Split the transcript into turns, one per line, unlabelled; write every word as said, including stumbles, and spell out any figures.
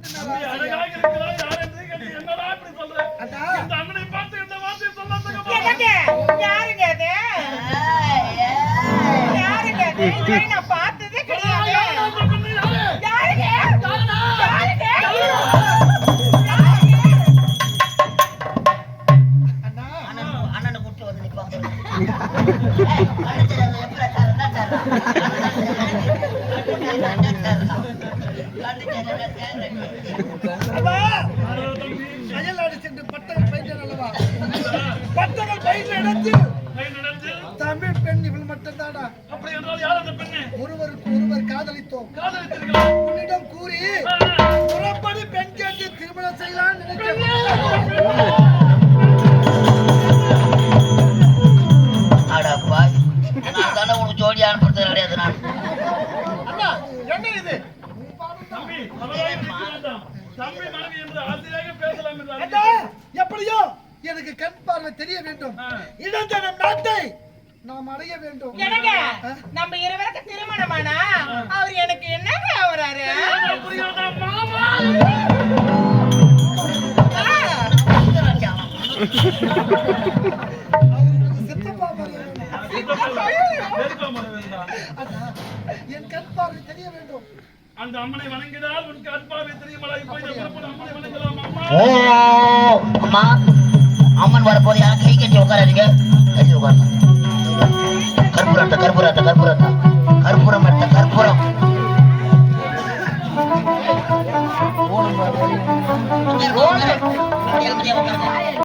பார்த்ததே கிடையாது. அண்ணனை கூட்டு வந்து நிற்பாங்க.
அயல்நாடு சென்று பட்டங்கள் பயின்ற அல்லவா? பட்டங்கள் பயின்ற இடத்தில் தமிழ் பெண் இவள் மட்டும்தானா?
அப்படி என்றால் யார் அந்த பெண்ணு?
ஒருவருக்கு ஒருவர் காதலித்தோம்.
காதலித்தீர்கள்
உன்னிடம் கூறி புறப்படி பெண் கேட்டு திருமணம் செய்யலாம் நினைக்கிறேன்.
அடப்பா, நான் தானே உனக்கு ஜோடி அனுப்புறது கிடையாது. நான்
என்ன இது
தம்பி அவராய் வேண்டாம். தம்பி மனைவி என்று ஆசையாக பேசலாம் என்று
எப்படியோ எனக்கு கண் பார்வை தெரிய வேண்டும். இடந்தனம் நாட்டை நாம் அடைய வேண்டும்.
எனக்கு நம்ம இருவருக்கு திருமணமானா அவர் எனக்கு என்னங்க ஆவறாரு?
மாமா
சித்தப்பா என் கண் பார்வை தெரிய வேண்டும்.
அந்த அம்மனை வணங்கினால் உனக்கு அன்பாவை தெரியுமா? இப்போ அம்மனை வணங்கலாம்.
ஓ அம்மா, அம்மன் வரப்போது யாரும் கை கட்டி உட்காராதீங்க. கட்டி உட்காருங்க. கற்பூரத்தை கற்பூரத்தை கற்பூரத்தை